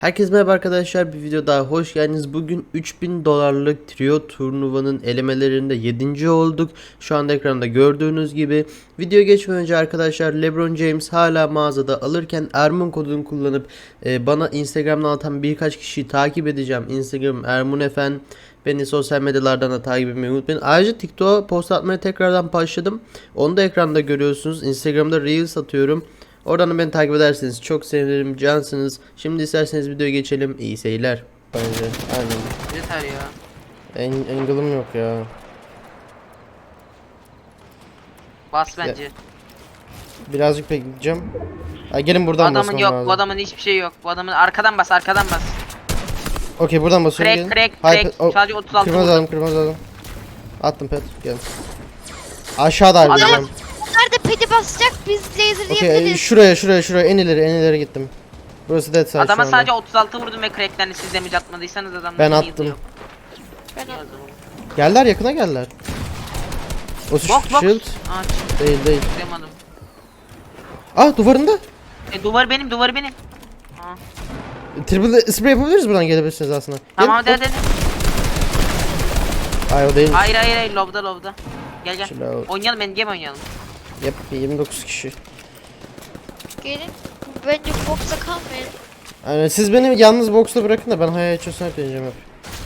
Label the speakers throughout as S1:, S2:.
S1: Herkese merhaba arkadaşlar, bir video daha hoş geldiniz. Bugün 3000 dolarlık trio turnuvanın elemelerinde 7. olduk. Şu anda ekranda gördüğünüz gibi. Video geçmeden önce arkadaşlar, LeBron James hala mağazada alırken Ermun kodunu kullanıp bana Instagram'dan atan birkaç kişiyi takip edeceğim. Instagram ermunefen. Beni sosyal medyalardan da takip etmeyi unutmayın. Ayrıca TikTok'a post atmaya tekrardan başladım. Onu da ekranda görüyorsunuz. Instagram'da Reels atıyorum. Oradan da beni takip ederseniz çok sevinirim, cansınız. Şimdi isterseniz videoya geçelim. İyi seyirler. Bence aynen.
S2: Yeter ya.
S1: Angle'ım yok ya.
S2: Bas bence.
S1: Birazcık bekleyeceğim. Gelin
S2: Bu
S1: buradan
S2: adamın
S1: basmam
S2: yok,
S1: lazım.
S2: bu adamın hiçbir şey yok. Bu adamın arkadan bas, arkadan bas.
S1: Okey, buradan basıyorum.
S2: Crack,
S1: Gelin.
S2: crack,
S1: Hayır,
S2: crack. Sadece 36
S1: kırmızı
S2: vurdum.
S1: aldım, kırmızı aldım. Attım pet. Gel. Aşağıda harbiden.
S3: Onlar da pedi basacak, biz laser
S1: Okey,
S3: yapabiliriz.
S1: şuraya en ileri gittim. Burası dead side
S2: Adama
S1: şu anda.
S2: sadece 36 vurdum ve cracklerini siz damage atmadıysanız adamın
S1: Ben
S2: heal'ı
S1: attım.
S2: yok.
S3: Ben
S2: İyi o zaman.
S1: Geldiler, yakına geldiler. O
S2: Box box.
S1: shield
S2: Aa,
S1: değil.
S2: çıkamadım.
S1: Duvarında.
S2: Duvar benim, duvar benim. Aa.
S1: Triple spray yapabiliriz, buradan gelebilirsiniz aslında.
S2: Tamam
S1: Gelin.
S2: hadi hadi.
S1: Hayır, o değil.
S2: Hayır, lobda. Gel.
S1: Chill out.
S2: Oynayalım, endgame oynayalım.
S1: Yep, 29 kişi.
S3: gelin. Bence box'a kalmayın.
S1: Yani siz beni yalnız boxta bırakın da ben hayal açıyorsan hep deneyeceğim hep.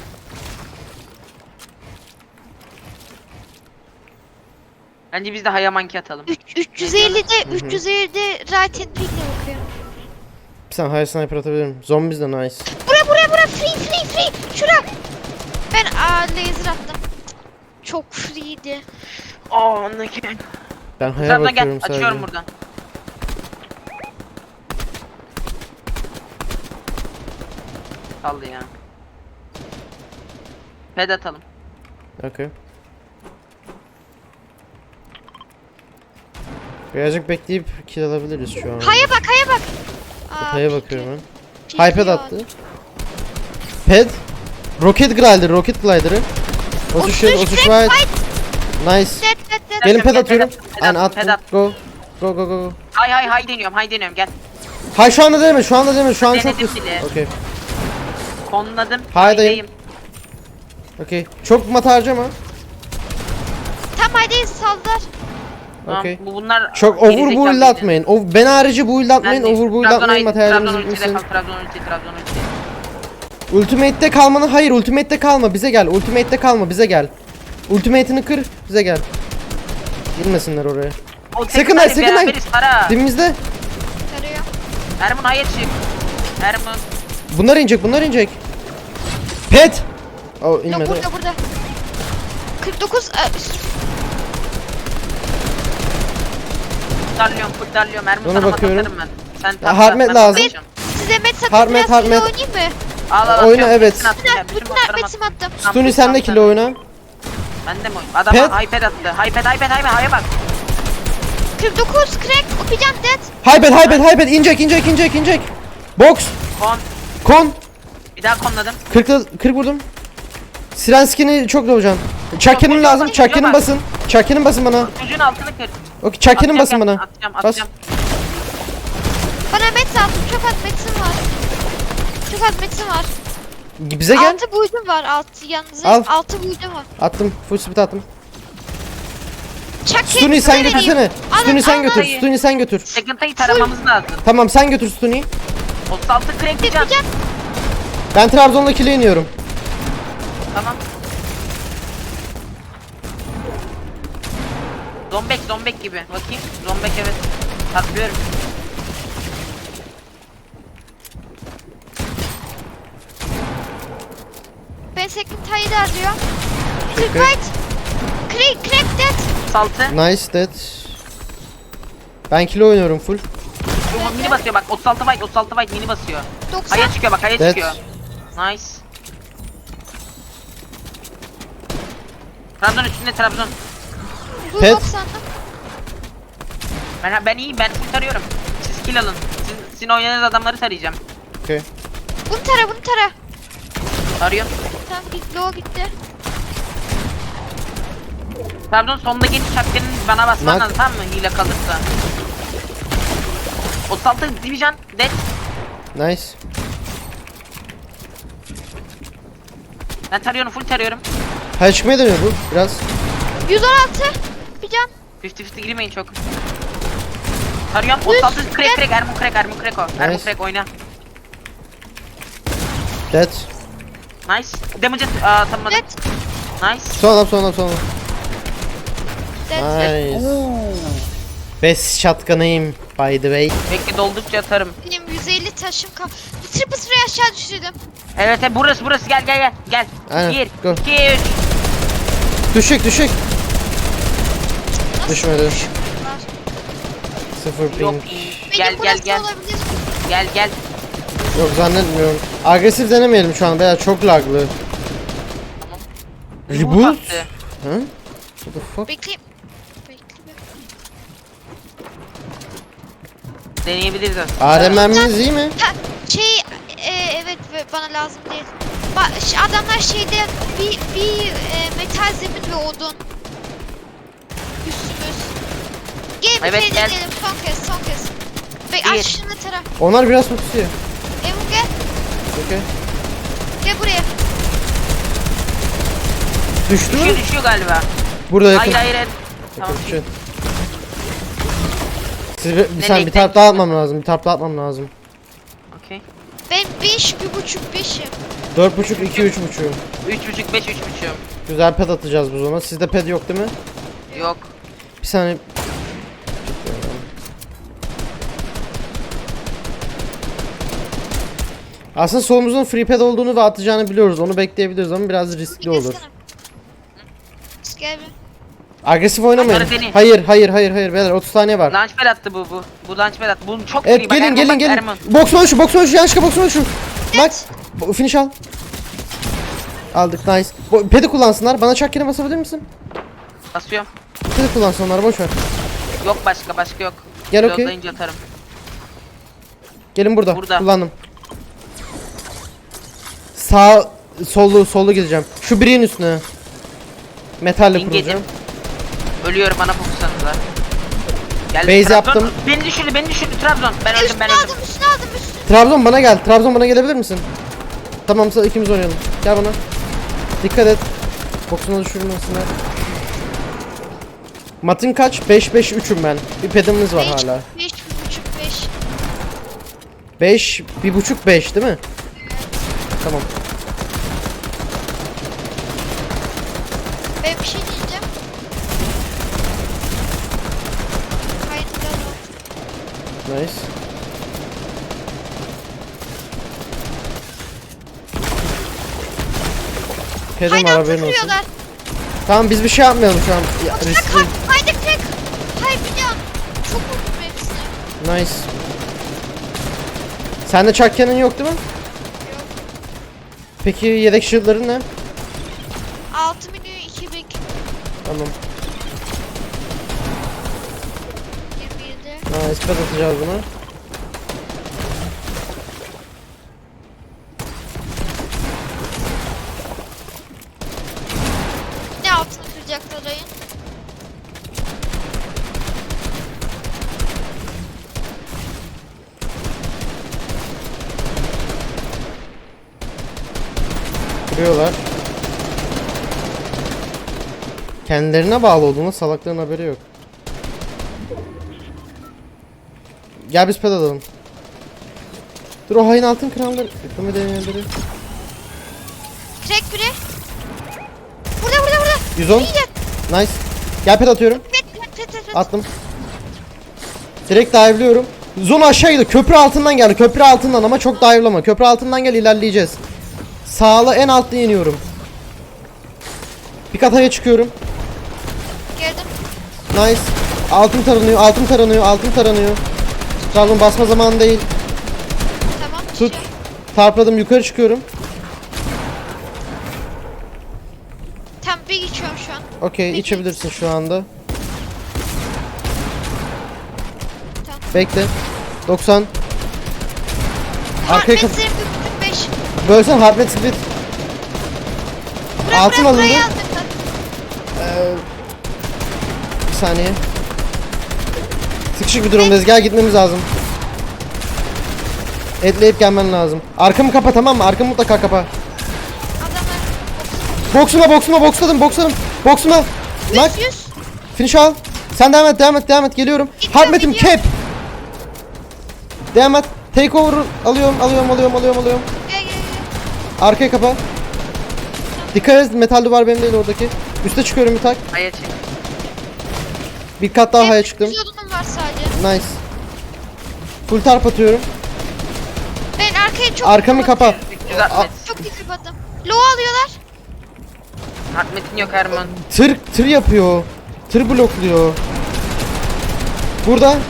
S2: Bence biz de hayamanki atalım.
S3: 350'de 350'de right and pick'le bakıyorum.
S1: Bir saniye hayal sniper atabilirim. Zombies de nice.
S3: Bura free. Şura. Ben laser attım. Çok free'di.
S2: Aa, ne ki?
S1: Ben hayal
S2: Trabzon
S1: bakıyorum
S2: gel,
S1: sadece.
S2: açıyorum buradan. Kaldı ya. Ped atalım.
S1: Okey. Birazcık bekleyip kill alabiliriz şu an.
S3: Haya bak.
S1: Hayal bakıyorum ben.
S3: Pick
S1: Hyped
S3: yok.
S1: attı. Ped. Rocket glider'ı. Osuş shield, osuş white. Nice.
S3: Dead.
S1: Gelin ped
S2: Ped
S1: atıyorum.
S2: at,
S1: Aynen
S2: ped
S1: attım.
S2: at.
S1: Go.
S2: Hay deniyorum gel.
S1: Hay şu anda deneme, şu an çok
S2: Denedim
S1: hızlı.
S2: bile.
S1: Okey.
S2: Konladım.
S1: Haydayım.
S2: haydayım.
S1: Okey. Çok mat harcama.
S3: Tam haydayız saldılar.
S2: Tamam,
S1: Okey.
S2: bunlar
S1: Çok
S2: gerizekalı
S1: over build
S2: yine.
S1: atmayın. Ben harici build atmayın,
S2: Ben de-
S1: over build
S2: Trabzon
S1: atmayın,
S2: ulti,
S1: materyalimiz
S2: Trabzon ulti de
S1: bitmesin.
S2: kal, Trabzon ulti.
S1: Ultimate'de kalmanı hayır, ultimate'de kalma, bize gel. Bize gel. Ultimate'ini kır, bize gel. Girmesinler oraya.
S2: O
S1: Sakın
S2: tekrar
S1: ha, sakın ha.
S2: beraberiz, para.
S1: Dibimizde.
S3: Tarıyor.
S2: Ermun hayır çık. Ermun.
S1: Bunlar inecek. Pet. Oh, inmedi.
S3: Yok burada. 49
S2: Kurtarlıyorum. Ermun
S1: Ona
S2: sana
S1: bakıyorum.
S2: atarım ben. Sen
S1: Ya,
S2: tam
S1: Harmet
S2: ben
S1: lazım.
S2: bakacağım.
S3: size met satın
S1: Hard
S3: biraz
S1: met.
S3: kilo oynayayım mı?
S2: Al,
S1: Oyna,
S2: atıyorum.
S1: evet.
S2: Bütün attım ya, bütün
S3: Bütün
S2: botlarıma
S3: metimi attım.
S2: attım.
S1: Stuni sende kilo oyna.
S2: Ben de mi oyun? Adam
S1: Pet.
S2: iPad attı. iPad haya bak.
S3: 49 crack. Okuyacağım dead.
S1: Hyped. İnecek. Box. Kon.
S2: Bir daha konladım.
S1: 40 vurdum. Siren skin'i çok dolacaksın. Chucky'nin lazım. Chucky'nin basın bana.
S2: Çocuğun altını kır.
S1: Okey, Chucky'nin basın bana.
S2: Atacağım.
S3: Bana met attım. Çok az metim var.
S1: Bize gel.
S3: 6 buydum var. 6 yalnız.
S1: Al.
S3: 6 buydum var.
S1: Attım. Full speed attım.
S3: Chuck
S1: Stuni sen götürsene.
S3: Alın,
S1: Stuni sen
S3: alın.
S1: götür.
S2: Hayır.
S1: Stuni sen götür.
S2: Second'ı taramamız lazım.
S1: Tamam, sen götür Stuni'yi.
S2: 36 crank diyeceğim.
S3: Yapacağım.
S1: Ben Trabzon'la kile iniyorum.
S2: Tamam. Zombek gibi. Bakayım. Zombek evet. Tatlıyorum.
S3: Ben second tide'ı arıyor.
S1: Okay.
S3: Crack dead.
S2: Saltı.
S1: Nice dead. Ben kile oynuyorum full.
S2: Mini basıyor bak. 36 byte mini basıyor.
S3: 90.
S2: Haya çıkıyor bak. Haya
S1: Dead.
S2: çıkıyor. Nice. Trabzon üstünde Trabzon.
S3: Bu
S1: Pet.
S3: 90'da.
S2: Ben iyiyim. Ben full tarıyorum. Siz kill alın. Sizin oynadığınız adamları tarayacağım.
S1: Okey.
S3: Bunu tara.
S2: Tarıyorum.
S3: Tamam git low gitti.
S2: Trabzon sondaki şapkanın bana basman
S1: Nak.
S2: lazım, tamam mı? Hile kalırsa. 36 division dead.
S1: Nice.
S2: Ben tarıyorum, full tarıyorum.
S1: Hayır çıkmaya dönüyor bu biraz.
S3: 116. Bir can.
S2: 50-50 girmeyin çok. Tarıyorum. 36 crack, Ermun crack o. Ermun
S1: Nice.
S2: crack oyna.
S1: Dead.
S2: Nice. Damage atamadım.
S3: Net.
S2: Nice.
S1: Son adam.
S3: Dead.
S1: Nice.
S2: Oo.
S1: Best shotgun'ıyım by the way.
S2: Bekle doldukça atarım.
S3: Benim 150 taşım kal. Bu triple sırayı aşağı düşürdüm.
S2: Evet burası gel.
S1: Aynen,
S2: 1,
S1: go.
S2: 2, 3.
S1: Düşük.
S3: Nasıl
S1: Düşmedi.
S3: düşüyorlar?
S1: 0
S2: Yok.
S1: ping.
S2: Gel
S3: Benim burası olabilir.
S2: gel.
S1: Yok zannetmiyorum. Agresif denemeyelim şu an beyler, çok laglı. Reboot?
S2: Reboot attı.
S1: Hı? What the fuck?
S3: Bekleyeyim.
S2: Deneyebiliriz aslında.
S1: ARM'miz iyi mi?
S3: Ha, şey evet bana lazım değil. Adamlar şeyde bir metal zemin ve odun. Üstümüz. Gel bir
S2: Evet,
S3: şey
S2: gel.
S3: deneyelim son kez.
S2: Bir.
S3: Aç şunu tara.
S1: Onlar biraz tutuyor.
S3: Emu gel.
S1: Okey.
S3: Gel buraya.
S1: Düştü mü?
S2: Düşüyor galiba.
S1: Burada yakın.
S2: Hayır. Tamam.
S1: Okey, Siz bir
S2: Nereye
S1: saniye bir taraf daha atmam lazım.
S2: Okey.
S3: Ben 5, 1.5'im.
S1: 4.5, 2, 3.5.
S2: 3.5 5 3.5.
S1: Güzel ped atacağız bu zaman. Sizde ped yok değil mi?
S2: Yok.
S1: Bir saniye. Aslında solumuzun free pad olduğunu ve atacağını biliyoruz. Onu bekleyebiliriz ama biraz riskli olur.
S3: Gel bir.
S1: Agresif oynamayın.
S2: Onları deneyin.
S1: Hayır beyler 30 saniye var.
S2: Launchpad attı bu. Bu launchpad attı. Bunu çok
S1: Evet
S2: free. Bak,
S1: gelin
S2: Erman,
S1: gelin.
S2: Erman.
S1: Boksman şu yanlışlıkla boksman şu. Bak finish al. Aldık nice. Pedi kullansınlar. Bana çak yere basabilir misin?
S2: Basıyorum.
S1: Pedi kullansın onlar boş ver.
S2: Yok başka yok.
S1: Gel, okey.
S2: Yollayınca atarım.
S1: Gelin burada.
S2: Burada.
S1: Kullandım. Sağ sollu gideceğim. Şu birin üstüne. Metalle
S2: Ping
S1: kuracağım.
S2: yedim. Ölüyorum bana fokusanıza. Geldi,
S1: Base
S2: Trabzon.
S1: yaptım.
S2: Beni düşürdü Trabzon. Ben öldüm.
S3: Üstüne aldım.
S1: Trabzon bana gel. Trabzon bana gelebilir misin? Tamam ikimiz oynayalım. Gel bana. Dikkat et. Boksuna düşürmesinler. Matın kaç? 5-5-3'üm ben. Bir pedimiz var hala.
S3: 5, 1.5, 5.
S1: 5, 1.5, 5 değil mi? Tamam.
S3: Ben bir şey diyeceğim. Kayıtlar oldu.
S1: Nice. Pedim var
S3: Haydan
S1: haberin olsun.
S3: takılıyorlar.
S1: Tamam biz bir şey yapmayalım şu an. Ya, riskli.
S3: Haydi tek. Hayır biliyorum. Çok vurdum hepsine.
S1: Nice. Sende çak cannon yok değil mi?
S3: Yok.
S1: Peki yedek shield'ların ne?
S3: 6 milyon 2000.
S1: Tamam.
S3: 27.
S1: Nice ped atacağız buna.
S3: Ne altını kıracaklar ayın?
S1: Kırıyorlar. Kendilerine bağlı olduğunda salakların haberi yok. Gel biz ped alalım. Dur o hain altın kralları. Yıkımı deneyenleri.
S3: Crack biri. Burada.
S1: 110.
S3: İyi de.
S1: Nice. Gel ped atıyorum.
S3: Pet.
S1: Attım. Direkt dive'lıyorum. Zona aşağı gidiyor. Köprü altından geldi. Köprü altından ama çok dive'lama. Köprü altından gel ilerleyeceğiz. Sağla en altta iniyorum. Bir kataya çıkıyorum.
S3: Geldim.
S1: Nice. Altın taranıyor. Trabzon basma zamanı değil.
S3: Tamam.
S1: Tut. Tarpladım yukarı çıkıyorum.
S3: Tam bir geçiyorum şu an.
S1: Okey içebilirsin şu anda.
S3: Tamam.
S1: Bekle. 90. Arkaya kap-
S3: Harpetlerim 45.
S1: Bölsen Harpet Split. Altın alındı.
S3: Burayı aldık.
S1: Bir saniye. Sıkışık bir durumdayız. Gel gitmemiz lazım. Etleyip gelmen lazım. Arkamı kapa tamam mı? Arkamı mutlaka kapa.
S3: Adamlar
S1: Boxladım. Boxuma. Nak.
S3: 100.
S1: Finish al. Sen devam et. Geliyorum.
S3: Gidiyorum,
S1: Harmet'im
S3: gidiyorum.
S1: cap. Devam et. Take over. Alıyorum.
S3: Gel.
S1: Arkaya kapa. Dikkat et, metal duvar benim değil oradaki. Üste çıkıyorum bir tak.
S2: Hayır çık.
S1: Bir kat daha haya çıktım.
S3: 100 odunum var sadece.
S1: Nice. Full tarp atıyorum.
S3: Ben arkaya çok
S1: Arkamı
S3: dikkat
S1: kapa.
S2: 360.
S3: Çok dikkat kapattım. Low alıyorlar.
S2: Hartmet'in yok Erman.
S1: Tır yapıyor. Tır blokluyor. Burada.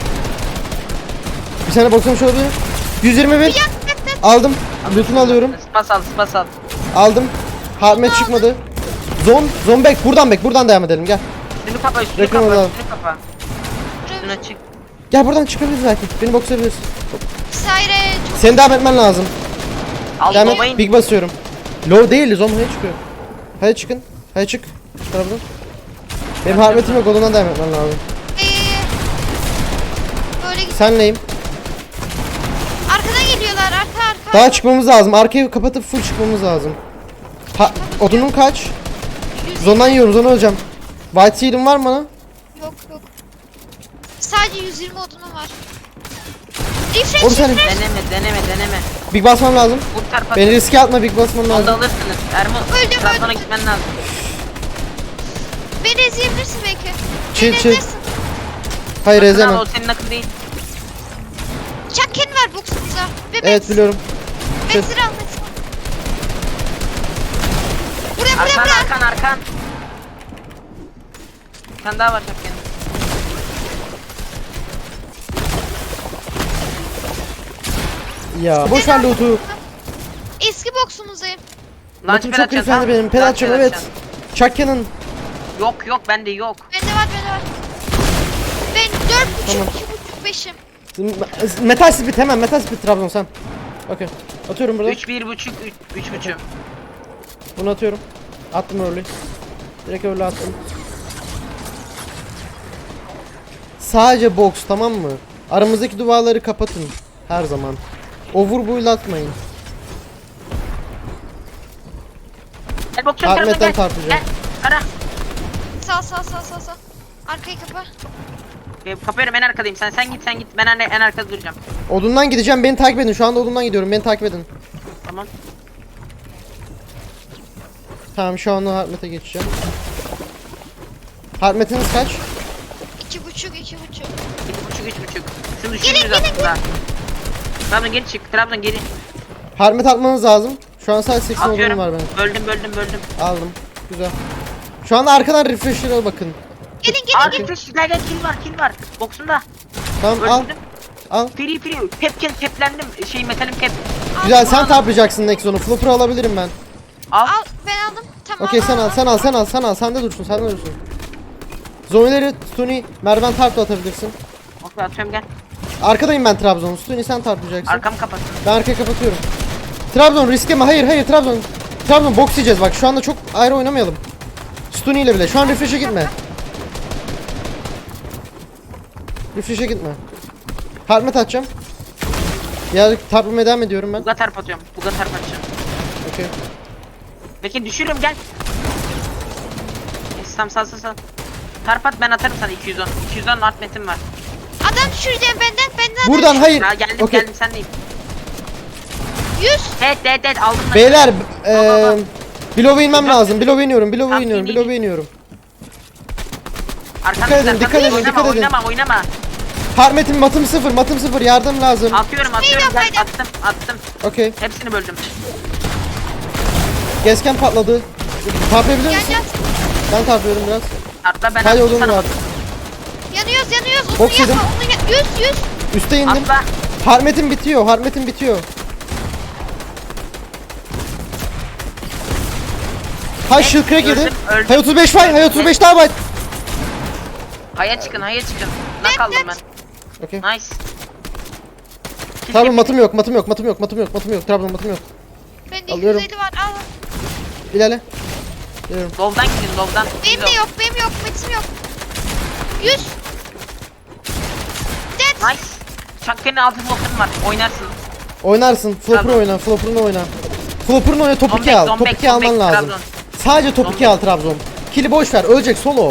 S1: Bir tane boxlamış olabilir. 121.
S3: Yak.
S1: Aldım. Loot'unu alıyorum.
S2: Spas al.
S1: Aldım. Harmet çıkmadı. Zone back. Buradan devam edelim. Gel.
S2: Üstünü kapa,
S1: Reklam alalım.
S2: Üstüne çık.
S1: Gel buradan çıkabiliriz belki. Beni boxlayabiliriz.
S3: Vesaire çok
S1: Seni devam etmen lazım.
S2: Al
S1: Devam et.
S2: babayın.
S1: Big basıyorum. Low değil. Zone'ya çıkıyor. Hadi çıkın. Hadi çık. Şu taraftan. Benim harmetim yok. Ondan devam etmen lazım.
S3: böyle git.
S1: Senleyim.
S3: Arkadan geliyorlar. Arka.
S1: Daha çıkmamız lazım. Arkayı kapatıp full çıkmamız lazım. Odunun kaç?
S3: 100.
S1: Zondan yiyorum. Zona öleceğim. White seal'im var mı bana?
S3: Yok. Sadece 120 odunum var.
S1: Oğlum sen-
S3: Refresh.
S2: Deneme.
S1: Big basmam lazım.
S2: Vur tarpa.
S1: Beni riske atma. Big basmam
S2: Onu da
S1: lazım.
S2: alırsınız. Erman.
S3: Öldüm,
S2: Trabzon'a
S3: öldüm.
S2: gitmen lazım.
S3: Beni ezeyebilirsin belki.
S1: Chill,
S3: Beni
S1: chill.
S3: ezersin.
S1: Hayır
S2: Akın al,
S1: ezemem.
S2: o senin akın değil.
S3: Chucken var boxumuza. Ve
S1: Evet biliyorum.
S3: Max'ı al. Buraya.
S2: Arkan. Bir tane daha var şapkanın.
S1: Ya boş ver loot'u.
S3: Eski boxumuzdayım.
S1: Loot'um
S2: Launchpad
S1: çok
S2: açacağız,
S1: yükseldi
S2: ha?
S1: benim. Ped atacağım
S2: Launchpad
S1: evet.
S2: açacağım.
S1: Chuck Cannon.
S2: Yok bende yok.
S3: Bende var. Ben 4.5,
S1: Tamam.
S3: 2.5, 5'im.
S1: Metal Spit hemen. Metal Spit Trabzon sen. Okey. Atıyorum burada.
S2: 3.5.
S1: Bunu atıyorum. Attım early. Direkt early attım. Sadece box tamam mı? Aramızdaki duvarları kapatın. Her zaman. Overbuild atmayın.
S2: Gel bokçum
S1: Ahmet'ten
S2: tarafına gel.
S1: tartacağım.
S2: Gel. Ara.
S3: Sağ. Arkayı kapa.
S2: Kapıyorum en arkadayım. Sen git. Ben en arkada duracağım.
S1: Odundan gideceğim. Beni takip edin. Şu anda odundan gidiyorum. Beni takip edin.
S2: Tamam.
S1: Tamam şu anda Harmet'e geçeceğim. Harmet'iniz kaç?
S3: 2.5.
S2: 2.5. Şunu
S3: Gelin,
S2: düşürürüz aslında. Trabzon geri çık. Trabzon geri.
S1: Harmet atmanız lazım. Şu an sadece 80 odunum
S2: Atıyorum.
S1: var benim.
S2: Böldüm.
S1: Aldım. Güzel. Şu anda arkadan refresher'a bakın.
S3: Gelin.
S2: Aa refresh. Gel kill var. Boksunda.
S1: Tamam al.
S2: Öldürdüm.
S1: Al.
S2: Free. Teplendim. Metalim tep.
S1: Güzel sen taplayacaksın Nexon'u. Flopper alabilirim ben.
S2: Al.
S3: Al. Ben aldım. Tamam.
S1: Okey sen al. Sende dursun. Zoneleri Stuni merdiven tarp da atabilirsin.
S2: Okey atıyorum gel.
S1: Arkadayım ben Trabzon. Stuni sen tarplayacaksın.
S2: Arkamı kapattım.
S1: Ben arkaya kapatıyorum. Trabzon riske mi? Hayır Trabzon. Trabzon box yiyeceğiz bak. Şu anda çok ayrı oynamayalım. Stuni ile bile. Şu an refresh'e gitme. Gitme. Harmet atacağım. Ya tarplamaya devam ediyorum ben.
S2: Buga tarp atıyorum. Buga tarp atacağım.
S1: Okey.
S2: Peki düşürürüm gel. Tamam sal. Tarp at ben atarım sana 210. 210 art metim var.
S3: Adam düşüreceğim benden.
S1: Buradan hayır.
S2: Ha geldim
S1: Okey.
S2: sen deyim.
S3: 100.
S2: Evet aldım ben.
S1: Beyler
S2: Baba.
S1: Bilow'a inmem lazım. Bilow'a iniyorum.
S2: in.
S1: Dikkat edin.
S2: Oynama.
S1: Harmet'im matım sıfır. Yardım lazım.
S2: Atıyorum
S3: Haydi.
S2: gel attım.
S1: Okey.
S2: Hepsini böldüm.
S1: Gezken patladı. Tarplayabilir
S3: Gel.
S1: misin? Ben tarplıyorum biraz.
S2: Atla ben
S1: Hadi
S2: attım
S1: odun
S2: sana.
S1: var.
S3: Yanıyoruz. Onu
S1: Box
S3: yapma.
S1: yedim.
S3: 100.
S1: Üste indim.
S2: Atla.
S1: Harmet'im bitiyor. Hay shield crack yedi.
S2: Öldüm.
S1: Hay 35 var. Hay 35 daha var.
S2: Haya çıkın. Nak aldım ben.
S1: Okey.
S2: Nice.
S1: Tamam matım yok. Trabzon matım yok.
S3: Bende
S1: Alıyorum.
S3: 250 var. Al.
S1: İlerle. Geliyorum.
S2: Low'dan gidin low'dan.
S3: Benim de yok. Metim yok. 100. Dead.
S2: Nice. Çakkenin altı blokun var. Oynarsın.
S1: Oynarsın. Flopper'ını
S2: Trabzon.
S1: oyna. Topu 2 al. Topu 2 alman lazım. Sadece top 2 al Trabzon. Kili boş ver. Ölecek solo.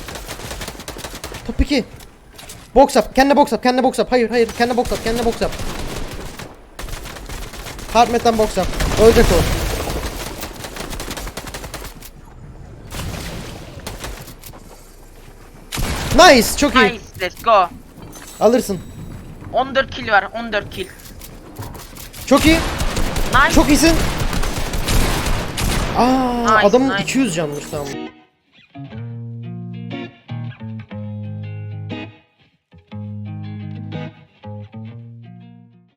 S1: Top 2. Box up. Kendine box up. Kendine box up. Hayır hayır. Kendine box up. Kendine box up. Hardmet'ten box up. Ölecek o. Nice. Çok iyi.
S2: Nice, let's go.
S1: Alırsın.
S2: 14 kill var, 14 kill.
S1: Çok iyi.
S2: Nice.
S1: Çok iyisin. Aa,
S2: Nice,
S1: adamın
S2: nice.
S1: 200 canmış tamam.